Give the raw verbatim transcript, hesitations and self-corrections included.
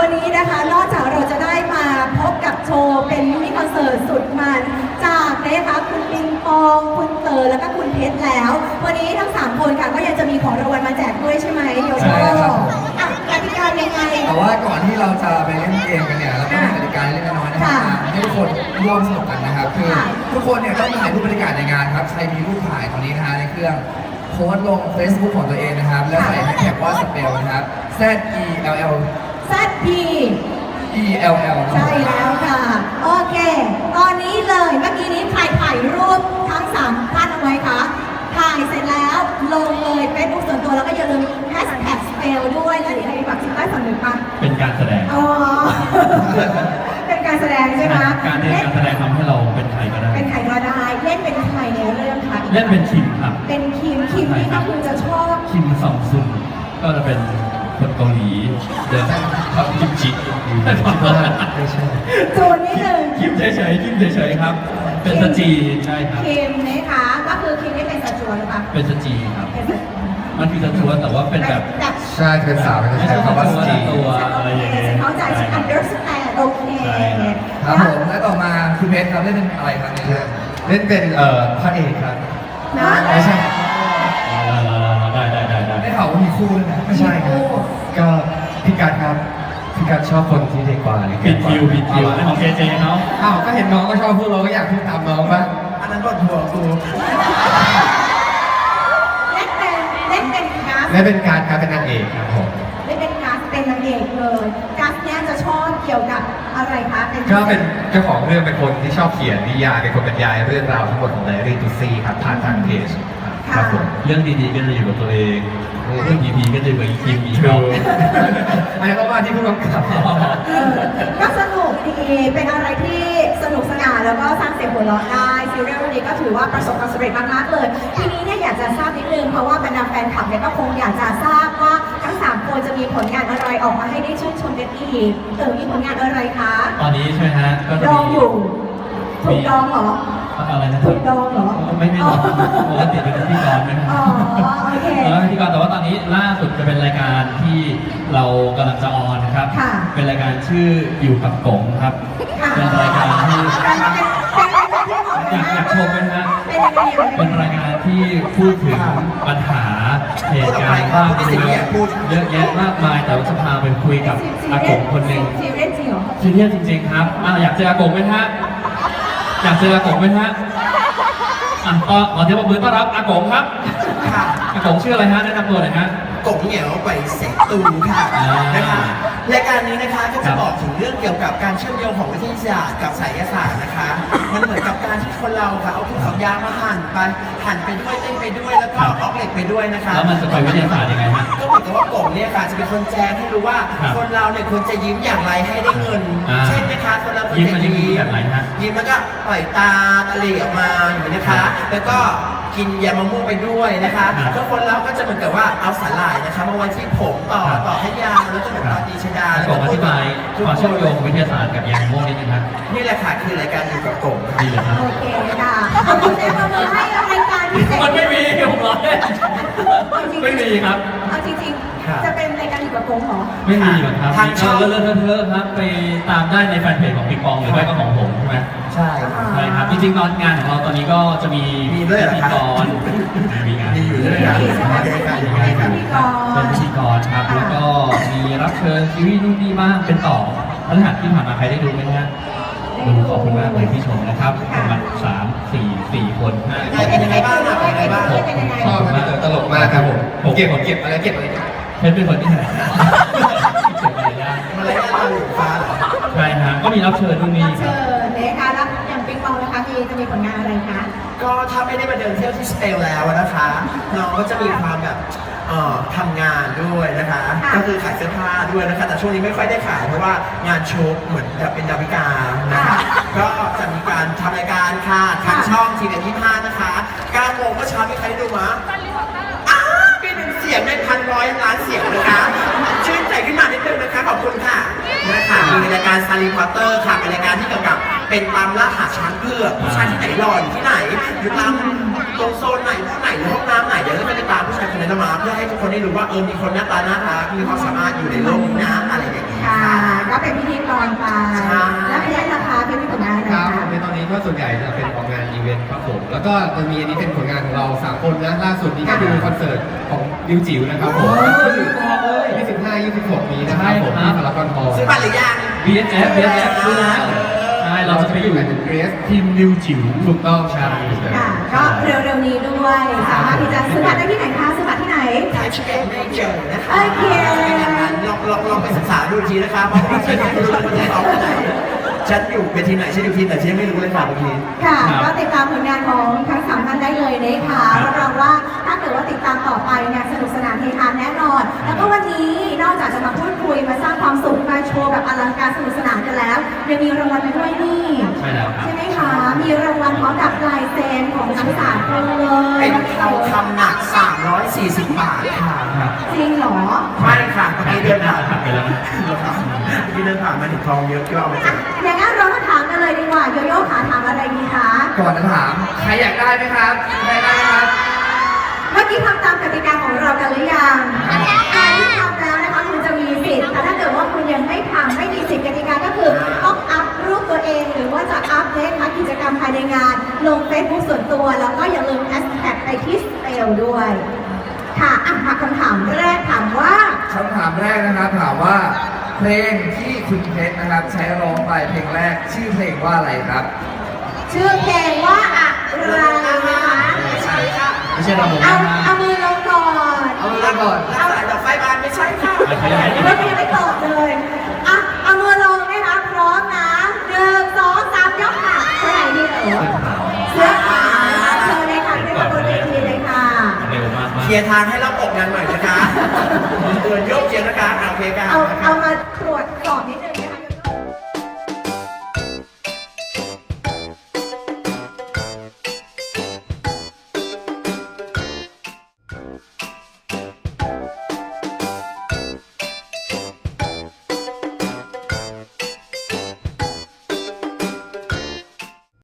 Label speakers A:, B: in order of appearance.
A: วันนี้นะคะนอกจากเราจะได้มาพบกับโชว์เป็นมินิคอนเสิร์ตสุดมันจากนะคะคุณปิงปองคุณเต๋อแล้วก็คุณเพชรแล้ว วันนี้ทั้งสามคนค่ะก็ยังจะมีของรางวัลมาแจกด้วยใช่ไหมโยโย่อ่ะกติกายังไง
B: แต่ว่าก่อนที่เราจะไปเล่นเกมกันเนี่ยเราก็มีกติกาเล็กน้อยนะครับให้ทุกคนร่วมสนุกกันนะครับคือทุกคนเนี่ยต้องถ่ายรูปบรรยากาศในงานครับใครมีรูปถ่ายตรงนี้นะฮะในเครื่องโพสต์ลง Facebook ของตัวเองนะครับแล้วใส่แฮชแท็กว่าสเปลนะครับ Z E L L
A: Z P
B: E L L
A: ใช่แล้วค่ะ โอเค ตอนนี้เลยเมื่อกี้นี้ใครถ่ายรูปทั้งสามท่านเอาไว้คะถ่ายเสร็จแล้วลงเลยเฟซบุ๊กส่วนตัวแล้วก็อย่าลืมแฮชแท็กสเปลด้วยแล้วเดี๋ยวให้บักชิมได้ฝั่งหนึ่งปะ
C: เป็นการแสดง
A: อ๋อ เป็นการแสดงใช่ไหม
C: การเล่นการแสดงทำให้เราเป็นใครก็ได้
A: เป็นใครก็ได้เล่นเป็นใครในเรื่องคะ
C: เล่นเป็นคิมครับ
A: เป็นคิมคิมนี่ก็คือจะชอบ
C: คิมซองซุนก็จะเป็นคนเกาหลีเดินทำกิมจิไม่ใช่
A: จูนนิดนึง
C: คิมเฉยๆคิมเฉยๆครับเป็นสจีใช่ครับ
A: คิมนะคะก็คือคิมนี่เป็นสจวหรือเปล่า
C: เป็นสจีครับมันคือสจวแต่ว่าเป็นแบบ
B: ใช่เป็นสาวเป็นใช้คำว่าสจี
C: ตัวอะไรอย่างเงี้ย
A: เข้าใจฉัน understand โอเค
B: ครับผมและต่อมาคุณเพชรครับเล่นเป็นอะไรครับในเรื่อง
D: เล่นเป็นเอ่อพระเอกครับ
A: นะ
B: ไม่ใช่
C: ได้ได้ได้ได้
B: ได้ข่าวว่ามีคู่ด้วยนะ
D: ไม่ใช่ครับก็พี่การครับพี่การชอบคนที่เด็กกว่าเลย
C: ผิดคิวผิดคิวในของเจเจเขา
B: อ้าวก็เห็นน้องก็ชอบพวกเราก็อยากพูดตามน้องบ้างอันนั้นก็ถั่วกู
A: เล่นเป็นเล่นเป็นกัส
D: เล่นเป็นการครับเป็นนางเอกครับผม
A: เล่นเป็นกัสเป็นนางเอกเลยกัสเนี่ยจะชอบเกี่ยวกับอะไรคะ
D: ก็เป็นเจ้าของเรื่องเป็นคนที่ชอบเขียนนิยายเป็นคนบรรยายเรื่องราวทั้งหมดของไดอารี่ตูซี่ครับผ่านทางเพจครับผม
C: เรื่องดีๆก็จะอยู่กับตัวเองเรื่องดีๆก็จะอยู่กับอีคิมอีกเขา
D: อันนี้ก็ว่าที่ผู้กำกับ
A: ก็สนุกดีเป็นอะไรที่สนุกสนานแล้วก็สร้างเสียงหัวเราะได้ซีรีส์วันนี้ก็ถือว่าประสบความสำเร็จมากๆเลยทีนี้เนี่ยอยากจะทราบนิดนึงเพราะว่าบรรดาแฟนคลับเนี่ยก็คงอยากจะทราบว่าทั้งสามคนจะมีผลงานอะไรออกมาให้ได้ชื่นชมกันอีกเต๋อมีผลงานอะไรคะ
C: ตอนนี้ใช่ไหมฮะก็
A: ดองอยู่ถูกดองเหรอ
C: อะไรนะ
A: ถูกดองเหรอ
C: ไม่ไม่ดองปกติเป็นพิธีกรไหม
A: อ๋อโอเค
C: พิธีกรแต่ว่าตอนนี้ล่าสุดจะเป็นรายการที่เรากำลังจะออนนะครับเป็นรายการชื่ออยู่กับกงครับเป็นรายการที่อยากอยากชมกันนะเป็นรายการที่พูดถึงปัญหาเหตุการณ์บ้างเรื่องเยอะแยะมากมายแต่ว่าจะพาไปคุยกับอากงคนหนึ่ง
A: ซีเรียสจริงเหรอ
C: ซีเรียสจริงๆครับอยากเจออากงไหมฮะอยากเจออากงไหมฮะอ่ะก็ขอเสียงปรบมือต้อนรับอากงครับอากงชื่ออะไรฮะแนะนำตัวหน่อยฮะ
E: กงเหนียวไปเสกตูค่ะนะคะรายการนี้นะคะก็จะบอกถึงเรื่องเกี่ยวกับการเชื่อมโยงของวิทยาศาสตร์กับไสยศาสตร์นะคะมันเหมือนกับการที่คนเราค่ะเอาทุกสัญญามาหั่นไปหั่นไปด้วยเต้นไปด้วยแล้วก็ออกเหล็กไปด้วยนะคะ
C: แล้วมันจะไปวิทยาศาสตร์ยังไงฮะ
E: ก็เหมือนกับว่ากงเนี่ยค่ะจะเป็นคนแจ้งให้รู้ว่าคนเราเนี่ยควรจะยิ้มอย่างไรให้ได้เงินเช่นนะคะคนเราควรจะยิ้มยิ้มแล้วก็ปล่อยตาตะเหลี่ยออกมาอย่างนี้นะคะแล้วก็กินยามะม่วงไปด้วยนะคะทุกคนเราก็จะเหมือนกับว่าเอาสาหร่ายนะคะมาไว้ที่ผมต่อต่อให้ยาวแล้วก็เหมือนตาตีชดา
C: แล้วก็อธิบายความเชื่อมโยงวิทยาศาสตร์กับยามะม่วงนิดนึงครับ
E: นี่แหละค่ะคือรายการอยู่กับกง
C: ดีเลยครับ
A: โอเคค่ะขอบคุณเจ้ามือให้รายการพิเศษ
C: มันไม่มีผมร้อยไม่มีครับ
A: เอาจริงๆจะเป็นรายการอยู่กับกงเหรอ
C: ไม่มีหรอกครับทางช่องเลื่อนเทอะครับไปตามได้ในแฟนเพจของปิงปองหรือไม่ก็ของผมใช่ไหม
E: ใช่
C: ใช่ครับจริงๆตอนงานของเราตอนนี้ก็จะมี
E: มีด้วย
C: พิธีกรมีงาน
E: มีอยู่ด้วยกัน
C: เป็นพิธีกรครับแล้วก็มีรับเชิญซีรีส์นู่นนี่บ้างเป็นต่อพฤหัสที่ผ่านมาใครได้ดูไหมฮะดูขอบคุณมากเลยที่ชมนะครับประมาณสามสี่สี่คนห้าคน
E: เป็นยังไงบ้างเป็นยังไงบ้าง
B: ชอบมากตลกมากครับผมผมเก็บผมเก็บอะไรเก็บอะไร
C: เพชรเป็นคนที่ไหนเก็บอะไรยาก
E: อะไรยากตาหลุดฟ้าเหรอ
C: ใช่ฮะก็มีรับเชิญนู่นนี่
A: ครับเชิญนะคะแล้วอย่างปิงปองนะคะมีจะมีผลงานอะไรคะ
E: ก็ถ้าไม่ได้มาเดินเที่ยวที่สเปลแล้วนะคะน้องก็จะมีความแบบทำงานด้วยนะคะก็คือขายเสื้อผ้าด้วยนะคะแต่ช่วงนี้ไม่ค่อยได้ขายเพราะว่างานโชว์เหมือนแบบเป็นดาวิกานะคะก็จะมีการทำรายการค่ะทางช่องทีวียี่ห้านะคะเก้าโมงเมื่อเช้ามีใครดูมั้ยอ้าเป็นเสียงในพันร้อยล้านเสียงนะคะชื่นใจขึ้นมานิดนึงนะคะขอบคุณค่ะนะคะมีรายการซารีพอตเตอร์ค่ะเป็นรายการที่เกี่ยวกับเป็นตามล่าหาช้างเผือกผู้ชายที่ไหนหล่ออยู่ที่ไหนอยู่ตามตรงโซนไหนห้องไหนหรือห้องน้ำไหนเดี๋ยวเราจะไปตามผู้ชายคนนั้นมาเพื่อให้ทุกคนได้รู้ว่าเออมีคนหน้าตาน่ารักมีความสามารถอยู่ในโลกนี้นะอะไรอย่างนี้
A: ค่ะ
E: ค่ะ
A: ก็เป็นพิธีกรไป
E: ใช่
A: แล้วเป็นราคาเป็นผลงานอะไร
F: ครับ
A: คะ
F: ในตอนนี้ก็ส่วนใหญ่จะเป็นของงานอีเวนต์ครับผม แล้วก็จะมีอันนี้เป็นผลงานของเราสามคนนะล่าสุดนี้ก็คือคอนเสิร์ตของดิวจิ๋วนะครับผมยี่สิบห้า ยี่สิบหกนี้นะครับผมที่พารากอนฮอลล์
E: ซื้อบัตรหรือยัง
C: บี เอส เอฟ บี เอส เอฟ รู้แล้วใช่เราจะไปอยู่ทีมนิวจิ๋ว
F: ถูกต้องครับ
A: ค่ะ ก็เร็วๆนี้ด้วย สามารถที่จะซื้อบัตรได้ที่ไหนคะซื้อบัตรที่ไหน
E: ไทยชิคเก้นไม่เจอนะคะ
A: โอเค
E: ลองลองลองไปศึกษาดูอีกทีนะคะเพราะว่าฉันยังไม่รู้เลยว่าจะเอาที่ไหนฉันอยู่เวทีไหนฉันอยู่ทีมไหนฉันยังไม่รู้เลยค่ะบางที
A: ค่ะ
C: ครับ
A: ก็ติดตามผลงานของทั้งสามท่านได้เลยนะคะรับรองว่าถ้าเกิดว่าติดตามต่อไปเนี่ยสนุกสนานเฮฮาแน่นอน แล้วก็วันนี้นอกจากจะมาพูดคุยมาสร้างความสุขมาโชว์แบบอลังการสนุกสนานกันแล้วยังมีรางวัลมาด้วยนี่
C: ใช่แล้วครับ
A: ใช่ไหมคะ มีรางวัลพร้อมกับลายเซ็นของทั้งสามคนเลย
E: เป็นทองคำหนัก สามร้อยสี่สิบบาทค่ะ
A: จริงเหรอ
E: ไม่ค่ะเมื่อกี้เดินผ่าน
C: ผ่านไปแล้วนะ
E: เมื่อกี้เดินผ่านมาถึงทองเยอะก็เอามาแจ
A: อ่ะ
E: ก
A: อย่างนั้นเรามาถามกันเลยดีกว่า โยโย่ขาถามอะไรดีคะ
B: ก่อนจะถามใครอยากได้ไหมครับใครได้ไหมครับ
A: เมื่อกี้ทำตามกติกาของเรากันหรือยังอันที่ทำแล้วนะคะคุณจะมีสิทธิ์ แต่ถ้าเกิดว่าคุณยังไม่ทำไม่มีสิทธิ์กติกาก็คือต้องอัพรูปตัวเอง หรือว่าจะอัพเลขกิจกรรมภายในงาน ลงเฟซบุ๊กส่วนตัว แล้วก็อย่าลืมแฮชแท็กไปที่สเปลด้วย ค่ะอ่ะมาคำถามแรกถามว่า
B: คำถามแรกนะครับถามว่าเพลงที่คุณเพชรนะครับ ใช้ร้องไปเพลงแรกชื่อเพลงว่าอะไรครับ
A: ชื่อเพลงว่าอะไรนะคะ
E: ไม่ใช่ค่ะ
C: ไม่ใช่ระบบ
A: เอา
C: นะ
A: เอามือลงก่อน
B: เอามือลงก่อน
E: แล้วสายดอกไฟบานไม่ใช่ค่ะ
A: ไม่ยังไม่ตอบเลยอ่ะเอามือลงนะคะพร้อมนะหนึ่งสองสามยกค่ะเท่าไหร่ดีเอ๋อเสื้อขาวเชิญเลยค่ะขึ้นมาบนเวทีเลยค่ะ
C: เร็วมาก
E: เคลียร์ทางให้เราออกงานหน่อยนะคะเดินโยกเชียร์นะคะโอเคค่ะ
A: เอาเอามาตรวจสอบ